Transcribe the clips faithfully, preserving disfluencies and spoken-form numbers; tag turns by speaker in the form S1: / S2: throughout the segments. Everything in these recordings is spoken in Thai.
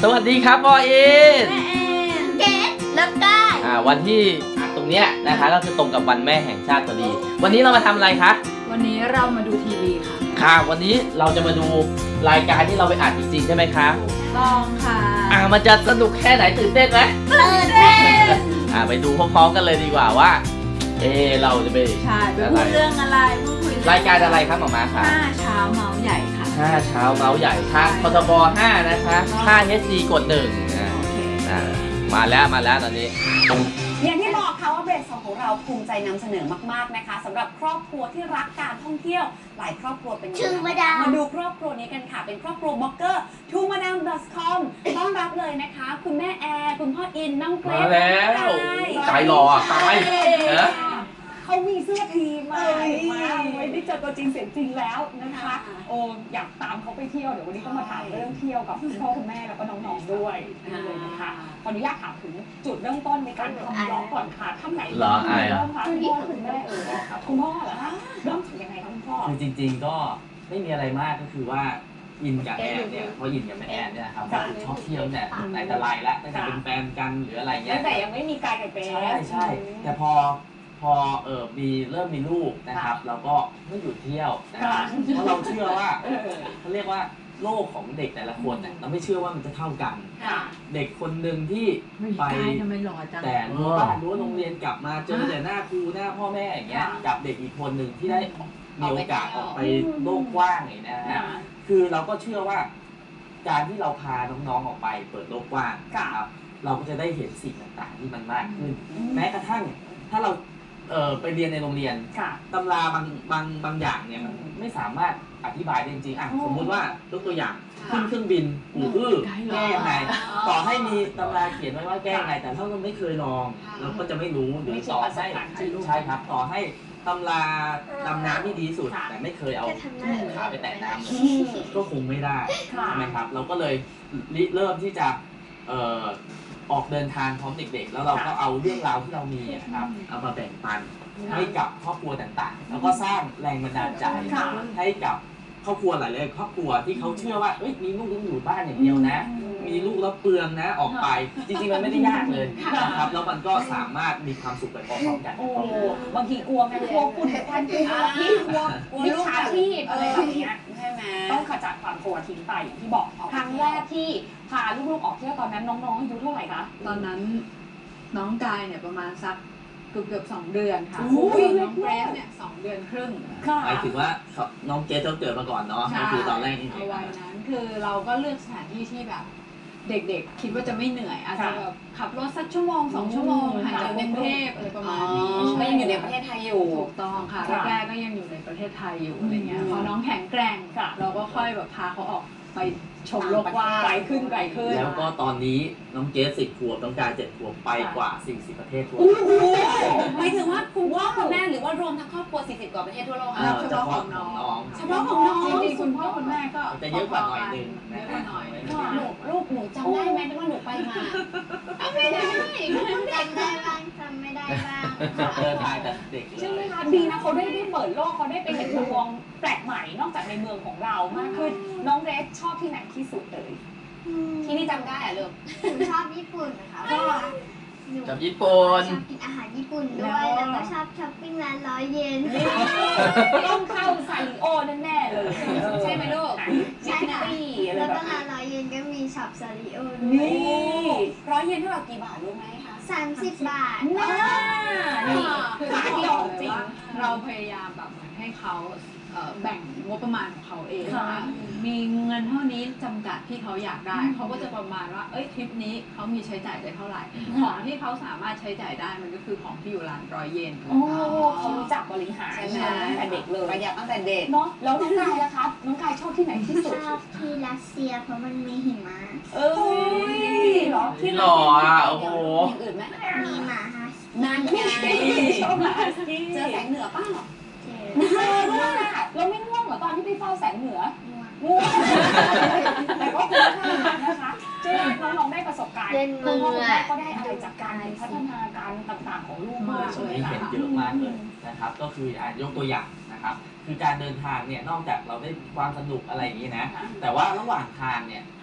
S1: สวัสดีครับพ่ออิน
S2: แม่แอนเกดแล้วก็
S1: อ่าวันที่ตรงเนี้ยนะคะก็คือตรงกับวันแม่แห่งชาติพอดีวันนี้เรามาทำอะไรคะ
S3: วันนี้เรามาดูทีวีค่ะ
S1: ค่ะวันนี้เราจะมาดูรายการที่เราไปอ่านจริงๆใช่ไหมคะ
S3: ต้องค่ะ
S1: อ่ามันจะสนุกแค่ไหนตื่นเต้นไหม
S2: ตื่นเต้น
S1: อ่าไปดูพร้อมๆกันเลยดีกว่าว่าเออเราจะไป
S3: ใช่ไปพูดเรื่องอะไรพูดคุย
S1: รายการอะไรครับหมอม้าคะ
S3: ห้าเช้าเมาส์ใหญ่ค่ะ
S1: ห้าเช้าเมาส์ใหญ่ทางพทบห้านะคะห้า เอช ดี กดหนึ่งอ่า
S3: โอเค
S1: อ่ามาแล้วมาแล้วตอนนี้
S4: อย่างที่บอกค่ะว่าเบรกสองของเราภูมิใจนำเสนอมากๆนะคะสำหรับครอบครัวที่รักการท่องเที่ยวหลายครอบครัวเป็น
S2: ชื่อมาดาม
S4: มาดูครอบครัวนี้กันค่ะเป็นครอบครัวบล็อกเกอร์ทูมาดาม ดอท คอม ต้อนรับเลยนะคะ คุณแม่แอร์คุณพ่ออินน้องเกร
S1: มา
S4: ซ
S1: แล้วใจรออ่ะไปเนอะ
S4: เขามีเสื้อทีมมามาไม่ได้เจอตัวจริงเสียงจริงแล้วนะคะโอ้อยากตามเขาไปเที่ยวเดี๋ยววันนี้ก็มาถามเรื่องเที่ยวกับคุณพ่อคุณแม่แล้วก็น้องๆด้วยเลยนะคะขออนุญาตถามถึงจุดเริ่มต้นในการทำบล็อกก่อนค่ะท่านไหน
S1: เหรออายเหรอ
S4: เริ่มคะคุณพ่อคุณแม่เออคุณพ่อเหรอคะเริ่มจากยังไงคะคุณพ่อ
S5: คือจริงๆก็ไม่มีอะไรมากก็คือว่าอินกับแอนเนี่ยเพราะอินกับแม่แอนเนี่ยครับก็ชอบเที่ยวเนี่ยไหนแต่ไรแล้วตั้งแต่เป็นแฟนกันหรืออะไรเงี้
S4: ตั้
S5: ย
S4: งแต่ยังไม่มีกายกับเบส
S5: ใช่ใช่แต่พอพอเออมีเริ่มมีลูกนะครับ เราก็ไม่หยุดเที่ยวนะครับเพราะเราเชื่อว่าเขาเรียกว่าโลกของเด็กแต่ละคนเนี่ยเราไม่เชื่อว่ามันจะเท่ากัน
S4: ค่ะ
S5: เด็กคนหนึ่งที่
S3: ไม่
S5: ไป
S3: กายทำไมหล่อจัง
S5: แต่รั้วบ้านรั้วโรงเรียนกลับมาเจอแต่หน้าครูหน้าพ่อแม่อย่างเงี้ยกับเด็กอีกคนหนึ่งที่ได้มีโอกาสออกไปโลกกว้างอย่างนี้นะฮะคือเราก็เชื่อว่า การที่เราพาน้องๆออกไปเปิดโลกกว้างครับเราก็จะได้เห็นสิ่งต่างๆที่มันมากขึ้น แม้กระทั่งถ้าเราเอ่อไปเรียนในโรงเรียน
S4: ค่ะ
S5: ตำราบางบางบางอย่างเนี่ยมันไม่สามารถอธิบายได้จริงๆอ่ะสมมุติว่ายกตัวอย่างขึ้นเครื่องบินหูอื้อแก้ยังไงต่อให้มีตำราเขียนไว้ว่าแก้ยังไงแต่ถ้าเราไม่เคยลองเราก็จะไม่รู้หรือต่อให้ใช่ครับต่อให้ตำราดำน้ำที่ดีสุดแต่ไม่เคยเอาขาไปแตะน้ำก็คงไม่ได้ใช่ไหมครับเราก็เลยริเริ่มที่จะเอ่อออกเดินทางพร้อมเด็กๆ แล้วเราก็เอาเรื่องราวที่เรามีนะครับเอามาแบ่งปันให้กับครอบครัวต่างๆ แล้วก็สร้างแรงบันดาลใจให้กับครอบครัวหลายๆครอบครัวที่เขาเชื่อว่าเอ้ยมีลูกต้องอยู่บ้านอย่างเดียวนะ มีลูกแล้วเปลืองนะออกไปจริงๆมันไม่ได้ยากเลยนะครับแล้วมันก็สามารถมีความสุขไปพร้อมๆกัน
S4: โอ้บางทีกลัวไงกลัวฝุ่นควันกลัวพิษกลัวกลัวมิจฉาชีพอะไรแบบเนี้ยใช่ไหมต้องขจัดความกลัวทิ้งไปอย่างที่บอกครั้งแรกที่พาลูกๆออกเที่ยวตอนนั้นน้องๆอายุเท่าไหร่คะ
S3: ตอนนั้นน้องกายเนี่ยประมาณสักเกือบเกือบสองเดือนค่ะ
S4: โอ้ย
S3: น้องเกรซเนี่ยสองเดือนครึ่ง
S4: ค่ะ
S5: หมายถึงว่าเขาน้องเกสเขาเกิดมาก่อนเนาะ
S3: ใช่
S5: ก็คือตอนแรกนี่
S3: เอาไว้นั้นคือเราก็เลือกสถานที่ที่แบบ เด็กๆ คิดว่าจะไม่เหนื่อยอาจจะแบบขับรถสักชั่วโมงสองชั่วโมงห่างจากกรุงเทพอะไรประมาณนี้
S4: ก็ยังอยู่ในประเทศไทยอยู่
S3: ถูกต้องค่ะ
S4: ค่ะ
S3: แรกๆก็ยังอยู่ในประเทศไทยอยู่อะไรเงี้ยพอน้องแข็งแกร่ง
S4: ค่ะ
S3: เราก็ค่อยแบบพาเขาออกไปชมโลกกว้าง
S4: ไกลขึ้นไกลขึ้น
S5: แล้วก็ตอนนี้น้องเกสสิบขวบน้องกายเจ็ดขวบไปกว่าสี่สิบประเทศทั่ว
S4: โอ้โหหมายถึงว่าคุณพ่อคุณแม่หรือว่ารวมทั้งครอบครัวสี่สิบกว่าประเทศทั่วโลก
S5: เอ่
S4: คะ
S5: อเฉพาะของน้อง
S4: เฉพาะของน้อง
S3: จริงๆคุณพ่อคุณแม่ก็
S5: จะเยอะกว่าหน่อยนึง
S3: เยอะกว่าหน่อยนึง
S4: หนูลูกหนูจำได้ไหมว่าหนูไปมาไม่ได้
S2: จำได้บ้างจำไม่ได้บ้าง
S5: เออถ่ายแต่เด็กเล
S4: ใช่ไหม
S5: ย
S4: คะดีนะเขาได้ได้เปิดโลกเขาได้ไปเห็นมุมมองแปลกใหม่นอกจากในเมืองของเรามากขึ้นน้องเรสชอบที่ไหนที่สุดเลย ที่นี่จำได้อะลูก
S2: หนูชอบญี่ปุ่นนะคะเพราะว่าหนู
S1: กับญี่ปุ่น
S2: ชอบกินอาหารญี่ปุ่นด้วย แล้วก็ชอบช้อปปิ้งร้านร้อยเยน
S4: ต้องเข้าซาริโอแน่ๆเลยใช่ไหมลูก
S2: ใช่ค่ะ
S4: ตี้อะไร
S2: แล้ว
S4: แบ
S2: ก็
S4: บ
S2: ร้า
S4: นี้
S2: นร้อยเยนก็มีช็อปซาริโอด้ว
S4: นี่
S2: ย
S4: ร้อยเยนเท่ากับกี่บาทรู้ไหมคะ
S2: สามสิบบาท
S4: น่านี่คือ
S3: คือ
S4: ขา
S3: ที่
S4: เดี
S3: บ
S4: ยว
S3: อกเลย
S4: จริง
S3: ว่าเราพยายามแบบเหมือนให้เขาเอ่อแบ่งงบประมาณของเขาเอง
S4: ค่ะ
S3: ว่ามีเงินเท่านี้จำกัดที่เขาอยากได้ เขาก็จะประมาณว่าเอ้ยทริปนี้เขามีใช้จ่ายได้เท่าไหร่ ของที่เขาสามารถใช้จ่ายได้มันก็คือของที่อยู่ร้านร้อยเยน
S4: โอ้เขารู้จักบริหาร
S2: ใช่
S4: ใช่ไหมตั้งแต่เด็กเลย
S6: ประหยัดตั้งแต่เด็ก
S4: เนาะแล้วน้องกายล่ะครับน้องกายชอบที่ไหนที่สุด
S2: ชอบที่รัสเซียเพราะมันมีหิมะ
S4: เอ้ยเหรอที่
S1: หล่ออ่ะโอ้โห
S6: อย่างอื่นไหม
S2: มีหมาฮัส
S4: นั่นไงชอบมาสกี้
S6: เจอแสงเหนือป้าเหรอ
S2: เจ
S4: เออด้วยอะเราไม่ง่วงเหรอตอนที่ไปเฝ้าแสงเหนือ
S2: อง่วง
S4: ง่วงแต่ก็คุ้มค่านะคะเชื่อว่าน้องๆได้ประสบการณ์
S2: เล่นมื
S4: คุณ
S2: อ
S4: พ่อคุณแม่ก็ได้อะไรจากการพัฒนาการต่างๆของลูกมาก
S5: ช่วง
S4: เลย
S5: นี้เห็น
S4: ค่ะ
S5: เยอะมากเลยนะครับ ก็คืออ่ะยกตัวอย่างนะครับ คือการเดินทางเนี่ยนอกจากเราได้ความสนุกอะไรอย่างนี้นะ แต่ว่าระหว่างทางเนี่ย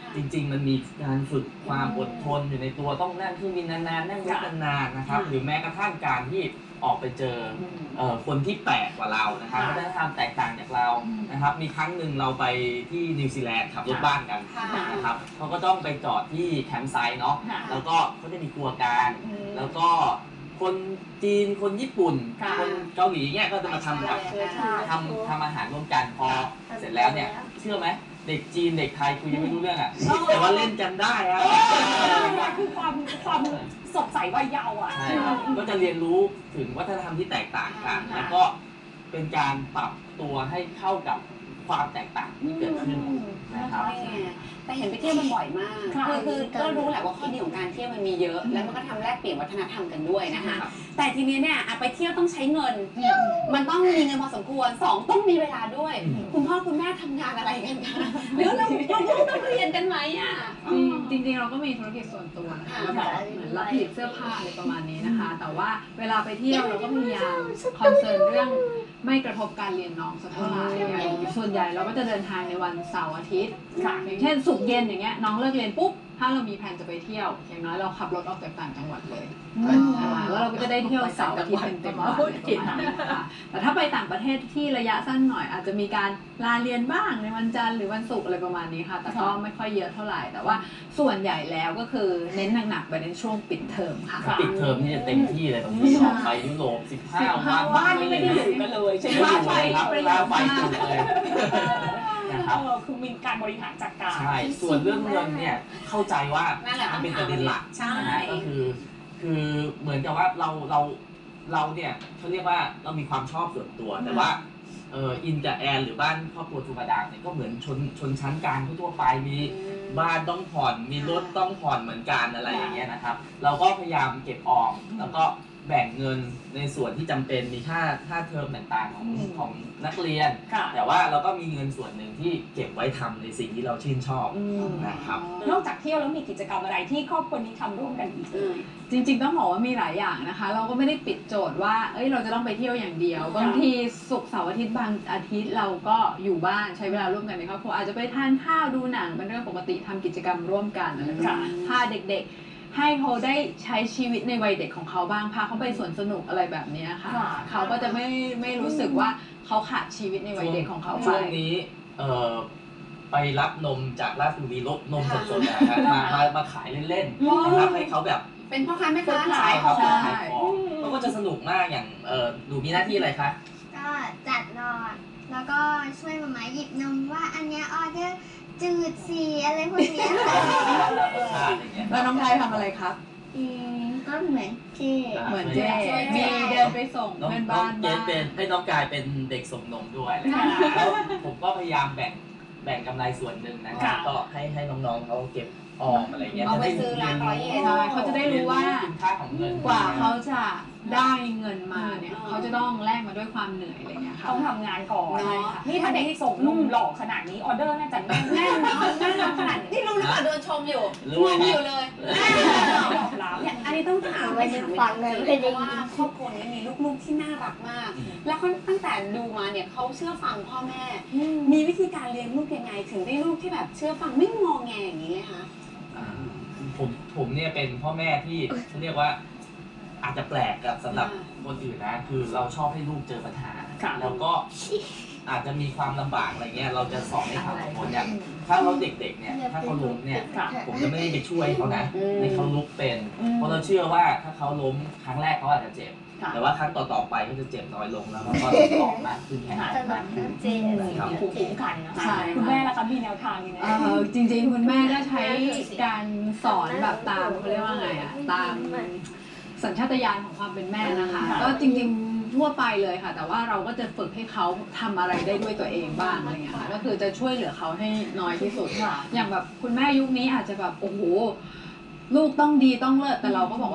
S5: จริงๆมันมีการฝึกความอดทนอยู่ในตัวต้องนั่งเครื่องบินนานๆนั่งรถนานๆนะครับหรือแม้กระทั่งการที่ออกไปเจอเอ่อคนที่แปลกกว่าเรานะครับวัฒนธรรมแตกต่างจากเรานะครับมีครั้งหนึ่งเราไปที่นิวซีแลนด์ขับรถบ้านกันนะครับเขาก็ต้องไปจอดที่แคมป์ไซต์เนาะแล้วก็เขาจะมีครัวกลางแล้วก็คนจีนคนญี่ปุ่นคนเกาหลีเนี่ยก็จะมาทำแบบทำทำอาหารร่วมกันพอเสร็จแล้วเนี่ยเชื่อไหมเด็กจีนเด็กไทยคุยยังไม่รู้เรื่องอ่ะแต่ว่าเล่นกันได้อะ
S4: คือความความสดใสวัยเยาว์อ่ะ
S5: ใช่ครับก็จะเรียนรู้ถึงวัฒนธรรมที่แตกต่างกันแล้วก็เป็นการปรับตัวให้เข้ากับความแตกต่างที่เกิดขึ้นนะครับ
S6: แต่เห็นไปเที่ยวมันบ่อยมาก คือคือก็รู้แหละว่าข้อดีของการเที่ยวมันมีเยอะ แล้วมันก็ทำแลกเปลี่ยนวัฒนธรรมกันด้วยนะคะ แต่ทีนี้เนี่ยไปเที่ยวต้องใช้เงิน มันต้องมีเงินพอสมควรสองต้องมีเวลาด้วย คุณพ่อคุณแม่ทำงานอะไรกันคะหรือเราเราต้องเรียนกันไหมอ่ะ
S3: จริงๆเราก็มีธุรกิจส่วนตัวนะคะแล้วก็เหมือนรับผลิตเสื้อผ้าอะไรประมาณนี้นะคะ แต่ว่าเวลาไปเที่ยวเราก็พยายามคอนเซิร์นเรื่องไม่กระทบการเรียนน้องสักเท่าไหร่อย่างส่วนใหญ่เราก็จะเดินทางในวันเสาร์อาทิตย์อย่างเช่นศุกร์เย็นอย่างเงี้ยน้องเลิกเรียนปุ๊บถ้าเรามีแผนจะไปเที่ยวอย่างน้อยเราขับรถออกจากต่างจังหวัดเลยแล้วเราก็จะได้เที่ยวเสาร์อาทิตย์เต็มๆวันนะคะแต่ถ้าไปต่างประเทศที่ระยะสั้นหน่อยอาจจะมีการลาเรียนบ้างในวันจันทร์หรือวันศุกร์อะไรประมาณนี้ค่ะแต่ก็ไม่ค่อยเยอะเท่าไหร่แต่ว่าส่วนใหญ่แล้วก็คือเน้นหนักๆไปในช่วงปิดเทอมค่ะ
S5: ปิดเทอมนี่จะเต็มที่เลยบางทีออกไปยุโรปสิบห้าวัน
S4: บ้านนี่ไม่ได้อยู่กันเลยใช่ไหม
S5: ไม่อยู่เลยครับลาไฟจุดเลยนะครับ
S4: เออคือมีการบริหารจัดการ
S5: ใช่ส่วนเรื่องเงินเนี่ยเข้าใจว่า
S6: นั่นแหละ
S5: มันเป็นประเด็นหลัก
S6: ใช่
S5: นะฮะก็คือคือเหมือนกับว่าเราเราเราเนี่ยเขาเรียกว่าเรามีความชอบส่วนตัวแต่ว่าเอออินกับแอนหรือบ้านครอบครัวทูบาดามเนี่ยก็เหมือนชนชนชั้นกลางทั่วไปมีบ้านต้องผ่อนมีรถต้องผ่อนเหมือนกันอะไรอย่างเงี้ยนะครับเราก็พยายามเก็บออมแล้วก็แบ่งเงินในส่วนที่จำเป็นมีค่าค่าเทอมต่างๆของของนักเรียน แต่ว่าเราก็มีเงินส่วนหนึ่งที่เก็บไว้ทำในสิ่งที่เราชื่นชอบนะครับ
S4: นอกจากเที่ยวแล้วมีกิจกรรมอะไรที่ครอบครัวนี้ทำร่วมกันอีก
S3: จริงๆต้องบอกว่ามีหลายอย่างนะคะ เราก็ไม่ได้ปิดโจทย์ว่าเอ้ยเราจะต้องไปเที่ยวอย่างเดียวบางทีศุกร์เสาร์อาทิตย์บางอาทิตย์เราก็อยู่บ้านใช้เวลาร่วมกันในครอบครัวอาจจะไปทานข้าวดูหนังเป็นเรื่องปกติทำกิจกรรมร่วมกันอะไรแบบนี้พาเด็กๆให้เขาได้ใช้ชีวิตในวัยเด็กของเขาบ้างพาเขาไปสวนสนุกอะไรแบบนี้ค่ะเขาก็จะไม่ไม่รู้สึกว่าเขาขาดชีวิตในวัยเด็กของเขาไป
S5: ช่วงนี้เอ่อไปรับนมจากราชบุรีรถนมสดๆนะฮะมามามาขายเล่นๆนะครับให้เขาแบบ
S6: เป็นพ่อค้าแม่ค้า
S5: ขายของขายของเขาก็จะสนุกมากอย่างเออหนูมีหน้าที่อะไรคะ
S2: ก็จัดรอดแล้วก็ช่วยมาม่าหยิบนมว่าอันเนี้ยออเดอร์จืดสีอะไรพวกเนี้ยค่ะ
S3: แล้วน้องไทยทำอะไรครับ
S2: อืมก็เหมือนเจ๊
S3: เหมือนเจ๊มีเดินไปส่ง
S5: น้อง
S3: เพื่อน
S5: น้อง
S3: บ้าน
S5: เจ
S3: บ้าน
S5: เป็นให้น้องกายเป็นเด็กส่งนมด้วยแล้วผมก็พยายามแบ่งแบ่งกำไรส่วนหนึ่งนะครับก็ให้ให้น้องๆเขาเก็บออมอะไรเงี้ย
S6: เอาไปซื้อร้านร้อยเยน
S3: ใช่เขาจะได้รู้ว่า
S5: คุณค่าของเงิน
S3: กว่าเขาจะได้เงินมาเนี่ยเขาจะต้องแลกมาด้วยความเหนื่อยอะไรเงี้ยค่ะ
S4: ต้องทำงานก่อน
S6: เนาะ
S4: นี่ถ้าเด็กส่งนมหล่อขนาดนี้ออเดอร์น่าจะแน่น
S6: แน่นอนแน่นอนขนาดนี้นี่รู้หรือเปล่าโดนชมอยู่
S5: รู้
S6: ง
S5: ไหม
S6: งอยู่เลย
S4: ตอบรับ
S6: เนี่ยอันนี้ต้องถามไปถาม
S2: ฟังเลยไม่
S6: เพ
S2: ได้
S6: ราะว่าครอบครัวนี้มีลูกๆที่น่ารักมาก แล้วเขาตั้งแต่ดูมาเนี่ยเขาเชื่อฟังพ่อแม่ มีวิธีการเลี้ยงลูกยังไง ถึงได้ลูกที่แบบเชื่อฟังไม่งอแงอย่างนี้เลยคะ
S5: อ่าผมผมเนี่ยเป็นพ่อแม่ที่เขาเรียกว่าอาจจะแปลกกับสำหรับคนอื่นนะคือเราชอบให้ลูกเจอปัญหาแล้วก็อาจจะมีความลำบากอะไรเงี้ยเราจะสอนให้เขาอดทนอย่างถ้าเขาเด็กๆเนี่ยถ้าเขาล้มเนี่ยผมจะไม่ได้ไปช่วยเขานะให้เขาลุกเป็นเพราะเราเชื่อว่าถ้าเขาล้มครั้งแรกเขาอาจจะเจ็บแต่ว่าครั้งต่อๆไปก็จะเจ็บน้อยลงแล้วก็หลอกมากขึ้นแข็งแรงมากขึ้น
S2: เจ๊
S4: มีภูมิคุ้มกันนะคะ
S3: ใช่
S4: คุณแม่ล่ะคะมีแนวทางยังไง
S3: เอ่อจริงๆคุณแม่ก็ใช้การสอนแบบตามเขาเรียกว่าไงอะตามสัญชาตญาณของความเป็นแม่นะคะ ก็จริงๆทั่วไปเลยค่ะ แต่ว่าเราก็จะฝึกให้เขาทำอะไรได้ด้วยตัวเองบ้างอะไรเงี้ยค่ะก็คือจะช่วยเหลือเขาให้น้อยที่สุดอย่างแบบคุณแม่ยุคนี้อาจจะแบบโอ้โหลูกต้องดีต้องเลิศแต่เราก็บอกว่า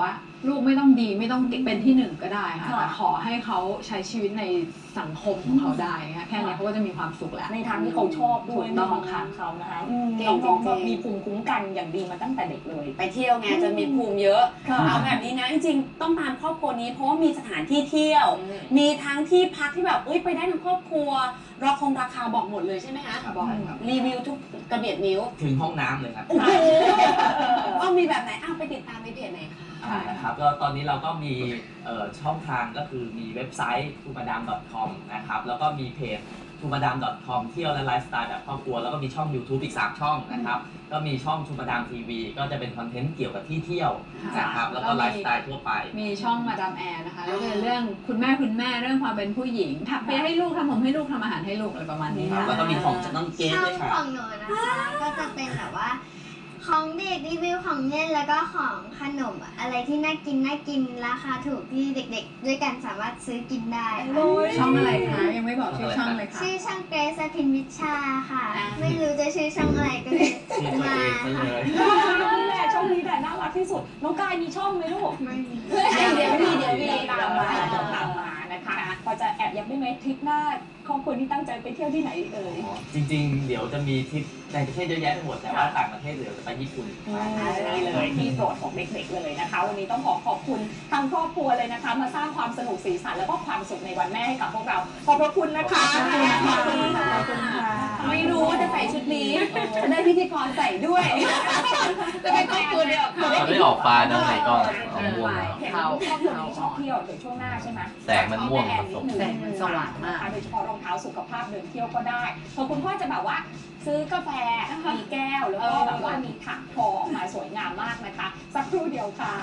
S3: ลูกไม่ต้องดีไม่ต้องเป็นที่หนึ่งก็ได้ค่ะ
S4: ค่ะ
S3: แต่ขอให้เขาใช้ชีวิตในสังคมของเขาได้ค่ะแค่นี้เขาก็จะมีความสุขแล้ว
S4: ในทางที่เขาชอบด้วย
S3: ถูก
S4: ใน
S3: ต้อง
S4: ของทางเขานะคะอืม
S6: เก่
S4: น้
S6: ง
S4: องๆ
S6: จริ
S4: ก็
S6: งๆ
S4: มีภูมิคุ้มกันอย่างดีมาตั้งแต่เด็กเลย
S6: ไปเที่ยวไงจะมีภูมิเยอะ
S4: ค่ะ
S6: เอาแบบนี้นะจริงๆต้องตามครอบครัวนี้เพราะว่ามีสถานที่เที่ยว มีทั้งที่พักที่แบบเอ้ยไปได้ทั้งครอบครัวราคงราคาบอกหมดเลยใช่ไหมคะ
S5: ครับ
S6: บอก
S5: ใช่ครับ
S6: รีวิวทุกกระเบียดนิ้ว
S5: ถึงห้องน้ำเลยครับ
S6: โอ้โหว่ามีแบบไหนอ้าวไปติดตามในเพจไหนคะ
S5: อ่านะครับก็ตอนนี้เราก็มีเอ่อช่องทางก็คือมีเว็บไซต์ ทูมาดาม ดอท คอม นะครับแล้วก็มีเพจ ทูมาดาม ดอท คอม เที่ยวและไลฟ์สไตล์แบบครอบครัวแล้วก็มีช่อง YouTube อีกสามช่องนะครับก็มีช่อง ทูมาดาม ที วี ก็จะเป็นคอนเทนต์เกี่ยวกับที่เที่ยวนะครับแล้วก็ไลฟ์สไตล์ทั่วไป
S3: มีช่องมาดามแอร์นะคะก็เป็นเรื่องคุณแม่คุณแม่เรื่องความเป็นผู้หญิงถักเปียให้ลูกทำผมให้ลูกทำอาหารให้ลูกอะไรประมาณนี้
S5: ครับ
S3: ค่ะ
S5: แล้วก็มีของจากน้องเกด
S2: ช่อง
S5: ด้วยค่ะ
S2: ของหนูนะคะ ก็จะเป็นแบบว่าของเด็กรีวิวของเล่นแล้วก็ของขนมอะไรที่น่ากินน่ากินราคาถูกที่เด็กๆ ด้วยกันสามารถซื้อกินได้ค่ะ
S3: ช่องอะไรคะยังไม่บอกชื่อช่องเลยค่ะ
S2: ชื่อช่องเกรซพินวิชาค่ะ ไม่รู้จะชื่อช่องอะไรก็เลย
S5: ชื่อตัว
S2: มา
S5: เองซะเล
S2: ค่ะ
S5: ย
S4: นี่แหละช่องนี้แหละน่ารักที่สุดน้องกายมีช่องไหมลูก
S2: ไม่มี
S6: เดี๋ยวมีเดี๋ยวมี
S4: ตามมาตามมานะคะพอจะแอบยับได้ไหมทริปหน้าครอบครัวที่ตั้งใจไปเที่ยวที่ไหนเอ่ย
S5: จริงๆ เดี๋ยวจะมีทริปในประเทศเยอะแยะไปหมดแต่ว่าต่างประเทศเดี๋ยวจะไปญี่ปุ่น
S4: นี่เลยที่โปรดของเด็กๆเลยนะคะ วันนี้ต้องขอขอบคุณทางครอบครัวเลยนะคะ มาสร้างความสนุกสีสันแล้วก็ความสุขในวันแม่ให้กับพวกเราขอบพระคุณนะคะ
S3: ขอบคุณค่ะ
S4: ขอบคุณค่ะ
S6: ไม่รู้ว่าจะใส่ชุดนี้จะได้พิธีกรใส่ด้วย จะเป็นครอบครัวเดียวกับเขา
S1: เขาได้ออกฟ้านะในกล้องออกม่วง
S4: เห็นครอบครัวนี้ชอบเที่ยวเดี๋ยวช่วงหน้าใช่ไหม
S1: แสงมันม่วงผสม
S3: แสงมันสว่างมาก
S4: โดยเฉพาะรองเท้าสุขภาพเดินเที่ยวก็ได้พอคุณพ่อจะแบบว่าซื้อกาแฟมีแก้วแล้วก็แบบว่ามีถักทอออกมาสวยงามมากนะคะ สักครู่เดียวค่ะ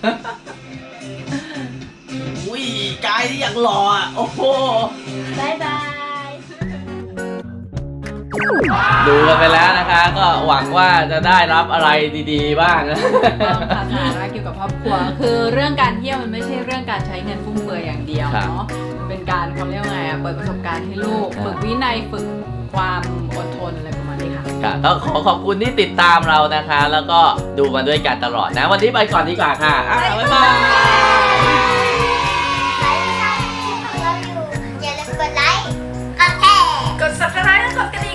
S1: อุ้ยกายที่อยากหล่ออ่ะ โอ้โห
S2: บายบาย
S1: ดูกันไปแล้วนะคะ ก็หวังว่าจะได้รับอะไรดีๆ บ้างนะ
S3: ต้องค่ะสาระเกี่ยวกับครอบครัว คือเรื่องการเที่ยวมันไม่ใช่เรื่องการใช้เงินฟุ่มเฟือยอย่างเดียว
S1: ครับ
S3: เนาะมันเป็นการเขาเรียกว่าไงอะเปิดประสบการณ์ให้ลูก
S1: ครับ
S3: ฝึกวินัยฝึกความอดทนอะไรประมาณนี้ค่ะ
S1: ค่ะก็ขอขอบคุณที่ติดตามเรานะคะ แล้วก็ดูมาด้วยกันตลอดนะ วันนี้ไปก่อนดีกว่าค่ะอ่ะบ๊ายบาย
S2: ใครที่ชอบคลิปของเราอยู่ อย่าลืมกดไลค์ กดแชร์
S7: กด ซับสไครบ์ และกดกระดิ่ง